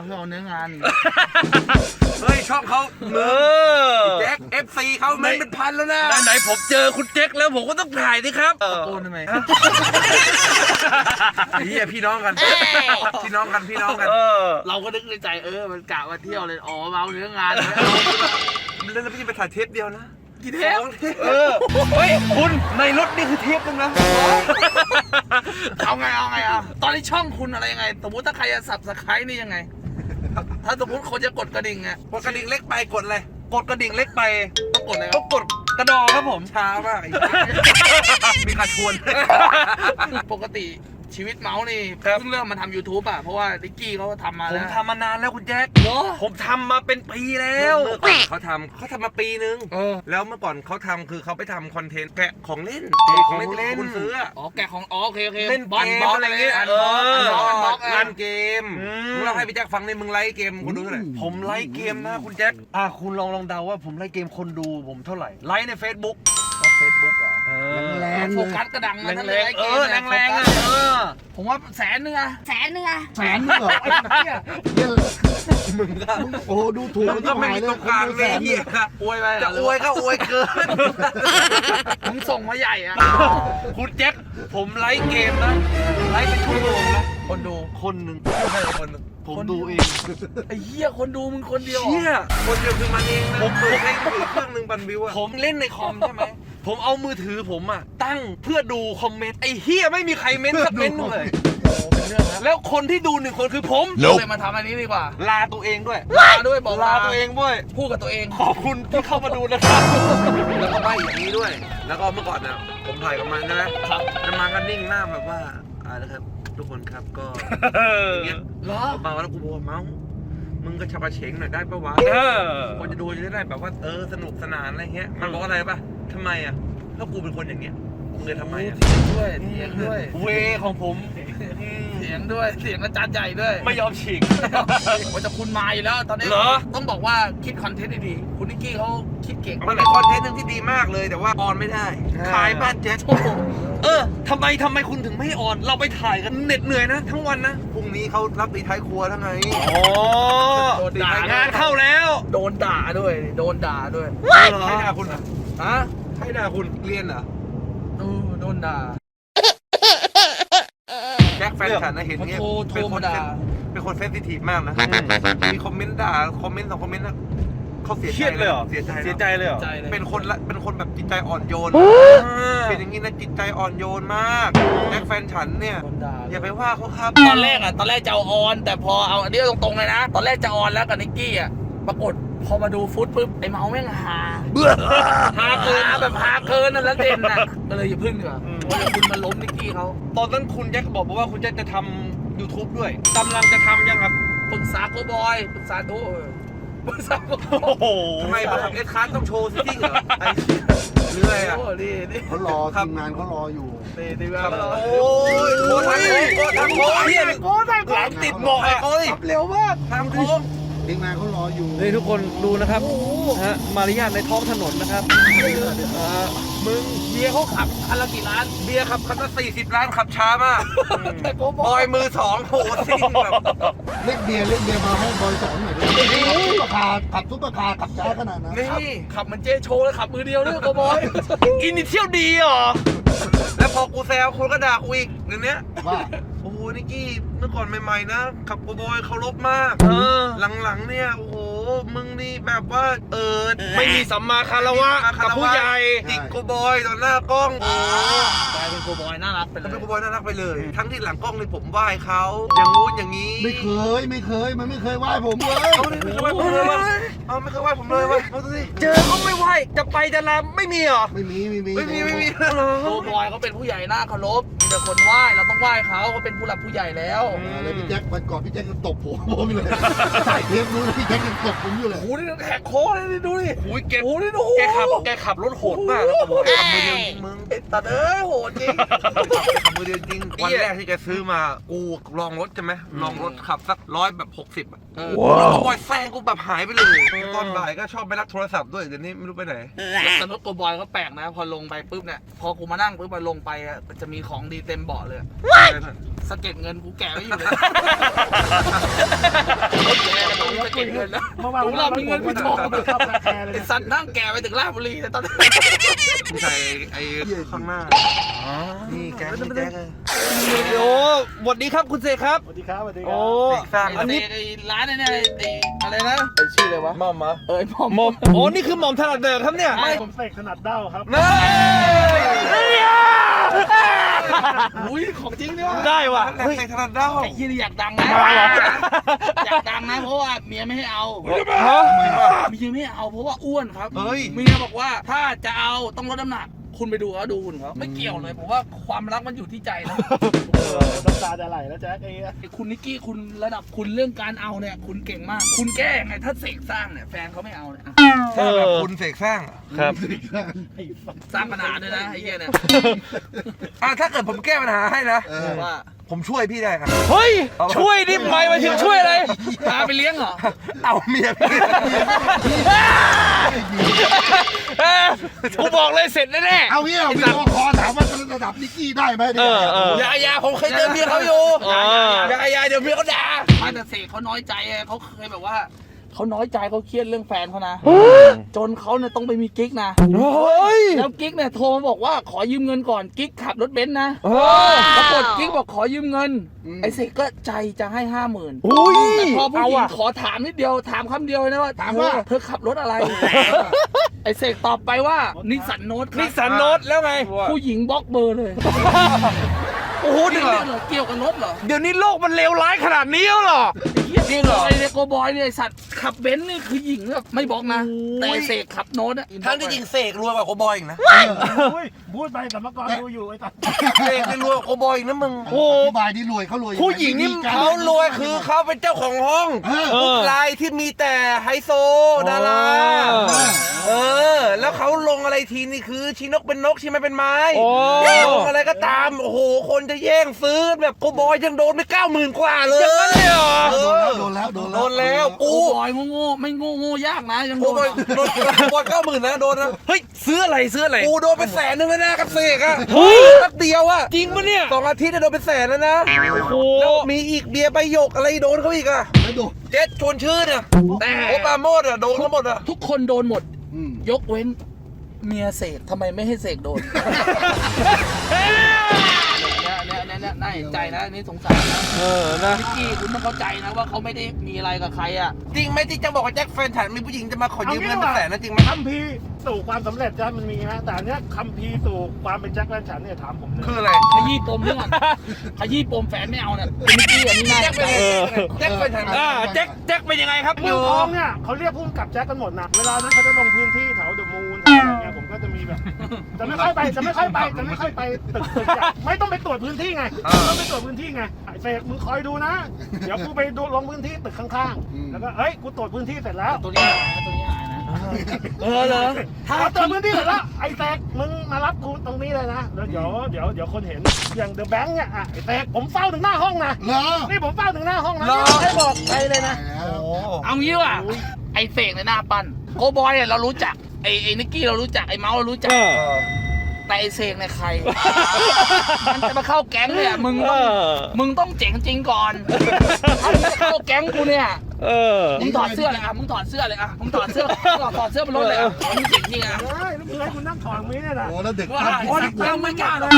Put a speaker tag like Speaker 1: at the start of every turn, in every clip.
Speaker 1: เพื่อเอาเนื้องาน
Speaker 2: เฮ้ยช่องเขาแจ็ค FC เขาเมนเป็นพันแล้วนะ
Speaker 3: ไหนผมเจอคุณแจ็คแล้วผมก็ต้องถ่ายดิครับ
Speaker 1: ตะโกนทำไม
Speaker 2: เฮียพี่น้องกันพี่น้องกัน
Speaker 1: เราก็นึกในใจมันกะมาเที่ยวเลยอ๋อมาเอาเนื้องาน
Speaker 2: แล้วพี่จะไปถ่ายเทปเดียวนะ
Speaker 1: กี่เทป
Speaker 3: เฮ้ยคุณในรถนี่คือเทปนึงนะ
Speaker 1: เอาไงตอนนี้ช่องคุณอะไรยังไงสมมติถ้าใครจะสับสไครต์นี่ยังไงถ้าสมมติคนจะกดกระดิ่งอ่ะ
Speaker 2: กดกระดิ่งเล็กไปกดเลย
Speaker 3: กดกระดิ่งเล็กไป
Speaker 1: ต้องกดอะไร
Speaker 3: ต้องกดกระดองครับผม
Speaker 2: ช้ามากมีการชวน
Speaker 1: ปกติชีวิตเมาส์นี่เพิ่งเริ่มมาทำ YouTube อ่ะเพราะว่าดิกกี้เขาทำมาแล้ว
Speaker 3: ผมทำมานานแล้วคุณแจ็คผมทำมาเป็นปีแล้ว
Speaker 2: เขาทำมาปีนึงแล้วเมื่อก่อนเขาทำคือเขาไปทำคอนเทนต์แกะของเล่น
Speaker 3: ของเล่น
Speaker 2: คุณซื้อ
Speaker 1: แกะของโอเค
Speaker 3: เล่นเกมอะไรเงี้ย
Speaker 2: งานเกมมึงเล่าให้พี่แจ็คฟังในมึงไลฟ์เกมคุณดูเท่าไหร่
Speaker 3: ผมไลฟ์เกมนะคุณแจ็คคุณลองเดาว่าผมไลฟ์เกมคนดูผมเท่าไหร่ไลฟ์ใน Facebook
Speaker 1: เหรอแรงโฟกัสกระดังมาทั้งเลย
Speaker 3: แรง
Speaker 1: ผมว่าแสนนึงเหรอ
Speaker 4: แสนนึง
Speaker 1: ไอ้เหี้ย
Speaker 2: มึงก็
Speaker 5: โอ้ดูถูก
Speaker 2: ก็ไม่มีตรงกลางเลยเหี้ย
Speaker 1: อวยไป
Speaker 2: จะอวยก็อวยเกิน
Speaker 1: มึงส่งมาใหญ่อะ
Speaker 3: คุณแจ็คผมไลฟ์เกมนะไลฟ์เป็นชั่วโมงนะ
Speaker 1: คนดู
Speaker 3: คนหนึ่งผมดูเอง
Speaker 1: ไอ้เหี้ยคนดูมึงคนเดียว
Speaker 2: เหี้ยคนเดียวคือมันเองนะผมเปิดให้ถือเครื่องนึงบันวิวอะ
Speaker 3: ผมเล่นในคอมใช่ไหมผมเอามือถือผมอะตั้งเพื่อดูคอมเมนต์ไอ้เหี้ยไม่มีใครเม้นต์สักเม้นต์เลยแล้วคนที่ดู1 คนคือผม
Speaker 1: เลยมาทำอันนี้ดีกว่า
Speaker 3: ลาตัวเองด้วย
Speaker 1: บอก
Speaker 3: ลาตัวเองด้วย
Speaker 1: พูดกับตัวเอง
Speaker 3: ขอบคุณที่เข้ามาดูนะครับ
Speaker 2: แล้วก็ใบอย่างนี้ด้วยแล้วก็เมื่อก่อนเนี่ยผมถ่ายกับมันใช่ไหมครับแล้วมันก็นิ่งหน้าแบบว่านะครับทุกคนครับก็อย่างเงี้ยมาแล้วกูบอกเมาส์มึงก็ชับเฉงหน่อยได้ปะวะคนจะดูจะได้แบบว่าสนุกสนานอะไรเงี้ยมันบอกอะไรปะทำไมอ่ะถ้ากูเป็นคนอย่างเงี้ยมึงเลยทำไมอ่ะ
Speaker 1: เถียงด้วย
Speaker 3: เวของผม
Speaker 1: เสียงด้วยเสียงอาจารย์ใหญ่ด้วย
Speaker 3: ไม่ยอมฉีก
Speaker 1: ว่าจะคุณมาอยู่แล้วตอนนี้ต้องบอกว่าคิดคอนเทนต์ดีๆคุณนิกกี้เขาคิดเก่ง
Speaker 2: มันเป็นคอนเทนต์นึงที่ดีมากเลยแต่ว่าออนไม่ได้ขายบ้านเจ๊
Speaker 3: ทำไมคุณถึงไม่ออนเราไปถ่ายกันเหน็ดเหนื่อยนะทั้งวันนะ
Speaker 2: พรุ่งนี้เขารับตีท้ายครัวทั้งไง
Speaker 3: ด่างานเข้าแล้ว
Speaker 1: โดนด่าด้วย
Speaker 2: ใครด่าคุณอ่ะใครด่าคุณเรียนเหรอ
Speaker 1: โดนด่า
Speaker 2: แจ็คแฟนฉันนะเห็นเงี้ยเป็นคนเซนซิทีฟมากนะมีคอมเมนต์ด่าคอมเมนต์2 คอมเมนต์นะเขาเสียใจเลย
Speaker 3: เสียใจเลย
Speaker 2: เป็นคนแบบจิตใจอ่อนโยนเป็นอย่างนี้นะจิตใจอ่อนโยนมากแจ็คแฟนฉันเนี่ยอย่าไปว่าเขาครับ
Speaker 1: ตอนแรกจะเอาออนแต่พอเอาอันนี้ตรงๆเลยนะตอนแรกจะออนแล้วกับนิกกี้อ่ะปรากฏพอมาดูฟุตปุ๊บไอ้เมาแม่งฮาเกินแบบฮาเกินนั่นแล้วเด่นน่ะก็เลยอย่าพึ่งดีกว่าคุณมาล้มนิกกี้เขา
Speaker 3: ตอนนั้นคุณแจ็คบอกว่าคุณแจ็คจะทำ YouTube ด้วยกำลังจะทำยังครับ
Speaker 1: ปรึกษาโกบอยปรึกษาโ
Speaker 2: ทำไมมาทำเอสคาร์ต้องโชว์ซิที่เหรอเรื่อยอ่ะ
Speaker 5: เขารอทีมงานเขารออยู่
Speaker 1: ดีมาก
Speaker 2: โอ้ยโค้ทำโค้
Speaker 3: เฮียโค้หลังติดหมอกอ่ะ
Speaker 1: เร็วมาก
Speaker 2: ทำโค้
Speaker 5: ทีมงานเขารออยู่
Speaker 3: นี่ทุกคนดูนะครับมารยาทในท้องถนนนะครับ
Speaker 1: มึงเบียร์เขาขับคันละกี่ล้าน
Speaker 2: เบียร์ขับคันละ40 ล้านขับช้ามากบอยมือ2โหซิ่งแบบ
Speaker 5: เรียกเบียร์มาให้บอยสอนหน่อยดิขับซุปเปอร์คาร์ขับช้าขนาดนั้น
Speaker 1: นี่ขับเหมือนเจโชว์แล้วขับมือเดียวด้วยโกบอย
Speaker 3: อินิเชียลดีเหรอ
Speaker 2: แล้วพอกูแซวคุณก็ด่ากูอีกเดี๋ยวนี้ว่าโอ้โหนิกกี้เมื่อก่อนใหม่ๆนะขับโกบอยเคารพมากหลังๆเนี่ยโอ้โหมึงนี่แบบว่า
Speaker 3: ไม่มีสัมมาคารวะกับผู้ใหญ่
Speaker 2: จิกโกบอยต่อหน้ากล้อง
Speaker 1: กลายเป็นโกบอยน่ารักไปเลย
Speaker 2: เป็นโกบอยน่ารักไปเลยทั้งที่หลังกล้องนี่ผมไหว้เขาอย่างงู้นอย่างนี้
Speaker 5: ไม่เคยมันไม่เคยไหว้ผมเลย
Speaker 2: ไม่เคยไหว้ผมเลยไม่เคยไหว้ผมเลยว่ะเอาสิ
Speaker 3: เจอก็ไม่ไหว้จะไปจะลาไม่มีเหรอ
Speaker 5: ไม่มี
Speaker 1: โกบอยเขาเป็นผู้ใหญ่น่าเคารพมีแต่คนไหว้เราต้องไหว้เขาเป็นผู้หลักผู้ใหญ่แล้ว
Speaker 5: แล้วพี่แจ็ควันก่อนพี่แจ็คตบผมเลยใส่เทปนู้นพี่แจ็คยังตบผมอยู่เลย
Speaker 1: โอ้โหนี่แหกคอเลยดูดิ
Speaker 3: โอ้ยแกขับรถโหดมากนะ
Speaker 2: ขับมือเดียวจริงมึง
Speaker 1: ตัดโหดจริง
Speaker 2: ขับมือเดียวจริงวันแรกที่แกซื้อมากูลองรถใช่ไหมลองรถขับสัก100แบบ60อ่ะแล้วโกบอยแซงกูแบบหายไปเลยตอนบ่ายก็ชอบไปรับโทรศัพท์ด้วยเดี๋ยวนี้ไม่รู้ไปไหน
Speaker 1: แต่รถโกบอยก็แปลกนะพอลงไปปุ๊บเนี่ยพอกูมานั่งปุ๊บมาลงไปจะมีของดีเต็มเบาะเลยสะเก็ดเงินกูแกะไว้อยู่เลยสะเก็ดเงินแล้วของเรามีเงินไม่พอไอ้สัตว์นั่งแกะไปถึงราชบุรีแต่ตอนนี้
Speaker 2: มึงใส่ไอ้ข้างหน้านี่แกนี่แก
Speaker 3: โอ้สวัสดีครับคุณเสกครับ
Speaker 5: สวัสดีครับสวัสดีค
Speaker 3: โอ้
Speaker 5: รับ
Speaker 2: สร้าง
Speaker 1: ไอ้ร้านเนี่ยไอ้อะไรนะไอ้ชื่ออะไรวะ
Speaker 3: มอมเหรอ
Speaker 1: ไอ้หม่อม
Speaker 3: มอมโอ้นี่คือหม่อมถนัดเดิมครับเนี่ย
Speaker 5: ผมเสกถนัดเด้าครับ
Speaker 3: เฮ้ย
Speaker 1: อุ้ยของจริงนี่วะ
Speaker 3: ได้ว่ะ
Speaker 2: เฮ้ยถนัดเด้า
Speaker 1: ไอ้ยี่นี่อยากดังนะอยากดังนะเพราะว่าเมียไม่ให้เอา
Speaker 3: ฮะ
Speaker 1: เมียไม่เอาเพราะว่าอ้วนครับ
Speaker 2: เฮ้ย
Speaker 1: เมียบอกว่าถ้าจะเอาต้องลดน้ำหนัก คุณไปดูเขาดูหุ่นเขาไม่เกี่ยวเลยผมว่าความรักมันอยู่ที่ใจนะ
Speaker 5: น้ำตาจะไหลแล้วแจ๊คไอ้
Speaker 1: ไอ้คุณนิกกี้คุณระดับคุณเรื่องการเอาเนี่ยคุณเก่งมาก คุณแก้ไงถ้าเสกสร้างเนี่ยแฟนเขาไม่เอาเนี่ย
Speaker 2: ถ้าแบบคุณเสกสร้าง
Speaker 3: ครับ
Speaker 1: สร้างปัญหาด้วยนะไอ้เหี้ยเนี่ย
Speaker 2: ถ้าเกิดผมแก้ปัญหาให้นะ
Speaker 1: ว่า
Speaker 2: ผมช่วยพี่ได้ครับ
Speaker 3: เฮ้ยช่วยนี่หมายถึงช่วยอะไร
Speaker 1: พาไปเลี้ยงเหรอ
Speaker 2: เอาเมียพี่
Speaker 3: กูบอกเลยเสร็จแน่
Speaker 5: เอางี้เอาวิดีโอคอลถามว่าระดับนิกกี้ได้ไหม
Speaker 2: อย่าผมเคยเจอเมียเขาอยู่ อย่าเดี๋ยวเมียเขาด่า
Speaker 1: ไม่แต่เสกเขาน้อยใจไงเขาเคยแบบว่าเขาน้อยใจเขาเครียดเรื่องแฟนเขานะจนเขาเนี่ยต้องไปมีกิ๊กนะ
Speaker 3: ๆเฮ้ย
Speaker 1: แล้วกิ๊กเนี่ยโทรมาบอกว่าขอยืมเงินก่อนกิ๊กขับรถเบนซ์นะ ปรากฏกิ๊กบอกขอยืมเงิน ไอ้เสกก็ใจจะให้ 50,000
Speaker 3: อุ้ย
Speaker 1: แต่พอผู้หญิง
Speaker 3: เอาอะ
Speaker 1: ขอถามนิดเดียวถามคำเดียวนะว่า
Speaker 5: ถามว่า
Speaker 1: เธอขับรถอะไร ไอ้เสกตอบไปว่านิสสันโนต
Speaker 3: นิสสันโนตแล้วไง
Speaker 1: ผู้หญิงบล็อกเบอร์เลย
Speaker 3: โอ้โห
Speaker 1: เรื่องเหรอเกี่ยวกับรถเหรอ
Speaker 3: เดี๋ยวนี้โลกมันเลวร้ายขนาดนี้แล้วเหรอ
Speaker 1: จริงเหรอไอ้โกบอยเนี่ยไอ้สัตว์ขับเบนซ์นี่คือหญิงแบบไม่บล็อกนะ แต่ไอ้เสกขับโน้ตอะ
Speaker 2: ทั้งที่จริงเสกรวยกว่าโคบอยอีกนะ
Speaker 5: พูดไปแต่เมื่อก่อนดูอยู่ไอ้ตัด
Speaker 2: เสกนี่รวยกว่าโคบอยอีกนะมึง
Speaker 3: โอ้
Speaker 5: อธิบายที่รวยเขารวย
Speaker 3: ผู้หญิงนี่
Speaker 2: เขารวยคือเขาเป็นเจ้าของห้อง
Speaker 3: เออ
Speaker 2: รายที่มีแต่ไฮโซดารา แล้วเขาลงอะไรทีนี่คือชีนกเป็นนกชีไม้เป็นไม้
Speaker 3: โอ้
Speaker 2: ลงอะไรก็ตาม โอ้โห คนจะแย่งซื้อแบบโกบอยยังโดนไป90,000 กว่าเลย
Speaker 3: อย่างนั้นเลยเหรอ
Speaker 5: โดนแล้ว
Speaker 2: โดนแล้ว
Speaker 1: โก
Speaker 2: กู
Speaker 1: บอยโง่ๆไม่โง่ยากนะยัง
Speaker 2: โก
Speaker 1: โดน
Speaker 2: บอยโดนโกบอย90,000นะโดนนะ
Speaker 3: เฮ้ยซื้ออะไรซื้ออะไร
Speaker 2: กูโดนไป100,000แล้วนะกับเสกอะ
Speaker 3: เฮ้ย
Speaker 2: แป๊บเดียวอะ
Speaker 3: จริงปะเนี่ย
Speaker 2: 2 อาทิตย์อะโดนไป100,000แล้วนะ
Speaker 3: โอ้
Speaker 2: แล้วมีอีกเบียร์ใบหยกอะไรโดนเขาอีกอะ
Speaker 5: ไม่โดน
Speaker 2: เจ็ดชวนชื่นอะ
Speaker 1: แต่
Speaker 2: โอปราโมดอะโดนทั้งหมดอะ
Speaker 1: ทุกคนโดนหมด ยกเว้นเมียเสกทำไมไม่ให้เสกโดน เนี่ยน่าเห็นใจนะอันนี่สงสารนะ
Speaker 3: นะ
Speaker 1: นิกกี้คุณต้องเข้าใจนะว่าเขาไม่ได้มีอะไรกับใครอ่ะ
Speaker 2: จริงไหมที่จะบอกว่าแจ็คแฟนฉันมีผู้หญิงจะมาขอยืมเงินเป็น100,000นะจริงไหม
Speaker 5: คัมภีร์สู่ความสำเร็จจ้ะมันมีนะแต่อันเนี้ยคัมภีร์สู่ความเป็นแจ็คแฟนฉันเนี่ยถามผมเลย
Speaker 2: คืออะไร
Speaker 1: ขยี้ปมเรื่องก่อนขยี้ปมแฟนไม่เอาเนี่ยเป็นนิกกี้อันนี้น่า
Speaker 2: แจ็
Speaker 1: เห็
Speaker 2: คน เป็น
Speaker 1: ใจ
Speaker 2: แจ็คแฟนฉัน
Speaker 3: แจ็คเป็นยังไงครับ
Speaker 5: เมืองทองเนี่ยเขาเรียกพุ่มกับแจ็คกันหมดนะเวลานั้นเขาจะลงพื้นที่แถวเดอะมูนอะไรเงี้ยผมก็จะมีแบบจะไม่ค่อยไปตึกใหญ่ไม่ต้องไปตรวจพื้นที่ไงต้องไปตรวจพื้นที่ไงไอ้เสกมึงคอยดูนะเดี๋ยวกูไปดูลงพื้นที่ตึกข้างๆแล้วก็เฮ้ยกูตรวจพื้นที่เสร็จแล้ว
Speaker 1: ตัวนี้หายนะตัวนี้หายนะ
Speaker 3: เหรอ
Speaker 5: ถ้าตรวจพื้นที่เสร็จแล้วไอ้เสกมึงมารับกูตรงนี้เลยนะแล้วเดี๋ยวคนเห็นอย่างเดอะแบงค์เนี่ยอ่ะไอ้เสกผมเฝ้าถึงหน้าห้องนะนี่ผมเฝ้าถึงหน้าห้องนะไม่บอกใครเลยนะ
Speaker 1: เอางี้ว่ะไอเสกในหน้าปั้นโกบอยเนี่ยเรารู้จักไอนิกกี้เรารู้จักไอเมาส์เรารู้จักแต่ไอเสกในยใคร มันจะมาเข้าแก๊งเนี่ยมึงต้องเจ๋งจริงก่อนถ้ามึงจะเข้าแก๊งกูเนี่ยมึงถอดเสื้อเลยอ่ะมึงถอดเสื้อเลยอ่ะมึงถอดเสื้อบนรถเลยอ่ะมึงเจ๋งจริงอ่ะ
Speaker 5: ใช่แล้วมึงให้คุณนั่งถอดมีเนี่ยนะโอ้แล้วเด็ก
Speaker 1: ว่ายังไม่กล้าเลย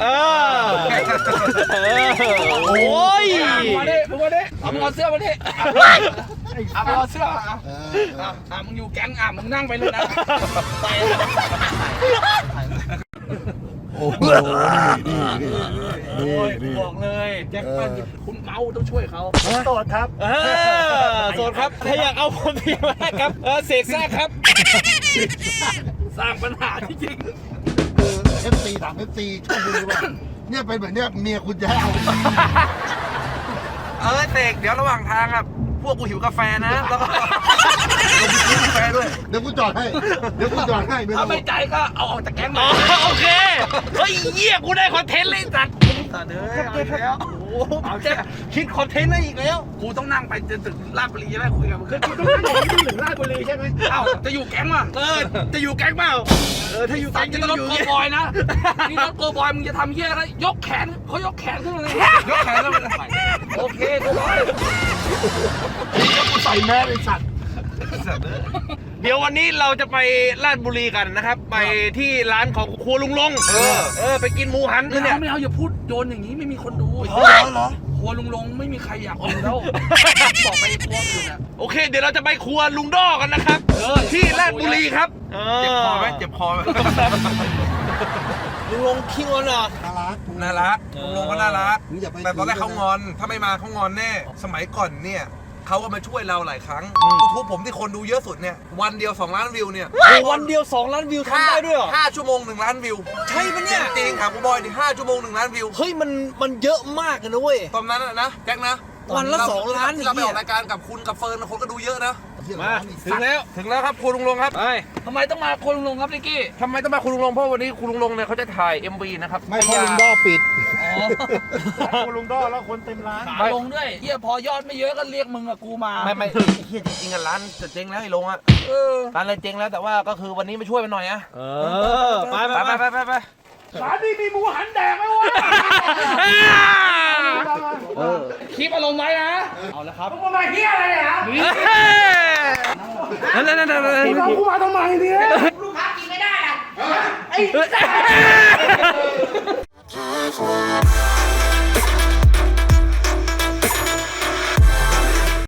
Speaker 3: โอ้ย
Speaker 1: มาดิมึงมาดิเอามึงเอาเสื้อมาดิเอามึงเอาเสื้อมึงอยู่แก๊งมึงนั่งไปเลยนะไป
Speaker 5: โอ้โหนี่
Speaker 1: บอกเลยแจ็คปั้นคุณเมาต้องช่วยเขา
Speaker 5: โสดครับ
Speaker 3: โสดครับถ้าอยากเอาคนพี่มาครับเสกซ่าครับ
Speaker 1: สร้างปัญหาจริง
Speaker 5: คือ FC ถาม FC ชอบดูว่าเนี่ยเป็นแบบเนี้ยเมียคุณจะให้เอา
Speaker 2: เสกเดี๋ยวระหว่างทางอะพวกกูหิวกาแฟนะแล้วก็กินกาแฟด้วย
Speaker 5: เดี๋ยวกูจอดให้ไม่
Speaker 1: ถ้า
Speaker 5: ต้อง
Speaker 1: ไม่ใจก็เอาออกจากแก๊ง
Speaker 3: อ๋
Speaker 1: มา
Speaker 3: อโอเคเฮ้ยเยี่ยกูได้คอนเทนต์เลยสัตว์
Speaker 1: ตัดเลยเอาแล้วโอ้
Speaker 3: จะคิดคอนเทนต์อะไรอีกแล้ว
Speaker 1: กูต้องนั่งไปจนถึงราชบุรีใช่ไหมคุยกับมึง
Speaker 5: คือกูต้องนั่งอยู่ที่ถึงราชบุรีใช่ไหม
Speaker 1: เอ้าจะอยู่แก๊งป่ะ
Speaker 3: จะอยู่แก๊งเปล่าถ้าอยู่
Speaker 1: สั่
Speaker 3: แก๊
Speaker 1: ง
Speaker 3: ง
Speaker 1: จะรถโกบอยนะนี่รถโกบอยมึงจะทำเหี้ยอะไรยกแขนเขายกแขนขึ้นมาเลยยกแขนขึ้นมาเลยโอเคโกบอย
Speaker 5: ใส่แมสไอ้สัตว์
Speaker 3: เดี๋ยววันนี้เราจะไปราชบุรีกันนะครับ ไปที่ร้านของครัวลุงลงไปกินหมูหันกันเนี่ย
Speaker 1: ไม่เอาอย่าพูดโยนอย่างนี้ไม่มีคนดูเหรอครัวลุงลงไม่มีใครอยากดูแล้วบอกไปครัวอื่นอ่ะ
Speaker 3: โอเค เดี๋ยวเราจะไปครัวลุงด้อกันนะครับ ที่ราชบุรีครับ
Speaker 2: เจ็บคอไหมเจ็บคอไหม
Speaker 3: ลุงลงขี้งอนเหรอ
Speaker 2: น่ารักลุงลงก็น่ารักแต่ตอนแรกเขางอน ถ้าไม่มาเขางอนแน่ สมัยก่อนเนี่ยเขาก็มาช่วยเราหลายครั้งยูทูบผมที่คนดูเยอะสุดเนี่ยวันเดียว2 ล้านวิวเนี่ย
Speaker 3: วันเดียว2 ล้านวิวทำได้ด้วยเหรอ
Speaker 2: 5 ชั่วโมง1 ล้านวิว
Speaker 3: ใช่ปะเนี่ย
Speaker 2: จริงๆครับกูบอยดิ5 ชั่วโมง1 ล้านวิว
Speaker 3: เฮ้ยมันเยอะมากเลยนะเว้ย
Speaker 2: ตอนนั้นนะแจ็คนะ
Speaker 3: วันละ2 ล้าน
Speaker 2: ที่เราไปออกรายการกับคุณกับเฟิร์นคนก็ดูเยอะนะ
Speaker 3: มาถึงแล้วครับครัวลุงลงครับไป
Speaker 1: ทำไมต้องมาครัวลุงลงครับนิกกี้
Speaker 2: ทำไมต้องมาคุณลุงลงเพราะวันนี้คุณลุงลงเนี่ยเขาจะถ่าย MV นะครับ
Speaker 4: ไม่เพราะลุงด้อปิด
Speaker 5: กูลุงด้อแล้วคนเต็มร้าน
Speaker 1: ขาลงด้วยเฮียพอยอดไม่เยอะก็เรียกมึงกับกูมา
Speaker 2: ไม่เฮียจริงๆอ่ะร้านจะเจ๊งแล้วไอ้ลงอ่ะร้านอะไรเจ๊งแล้วแต่ว่าก็คือวันนี้มาช่วยมันหน่อยอะ
Speaker 3: ไป
Speaker 2: ไป
Speaker 5: ร้านนี้มีหมูหันแดงไหมวะ
Speaker 1: คลิปอารมณ์ไว้นะ
Speaker 5: มึงมาเฮียอะไรเนี่ย
Speaker 3: นั่น
Speaker 5: มึงเอากูมาทำไมเนี่ย
Speaker 6: ลูกค้ากินไม่ได้อะ
Speaker 5: ไอ้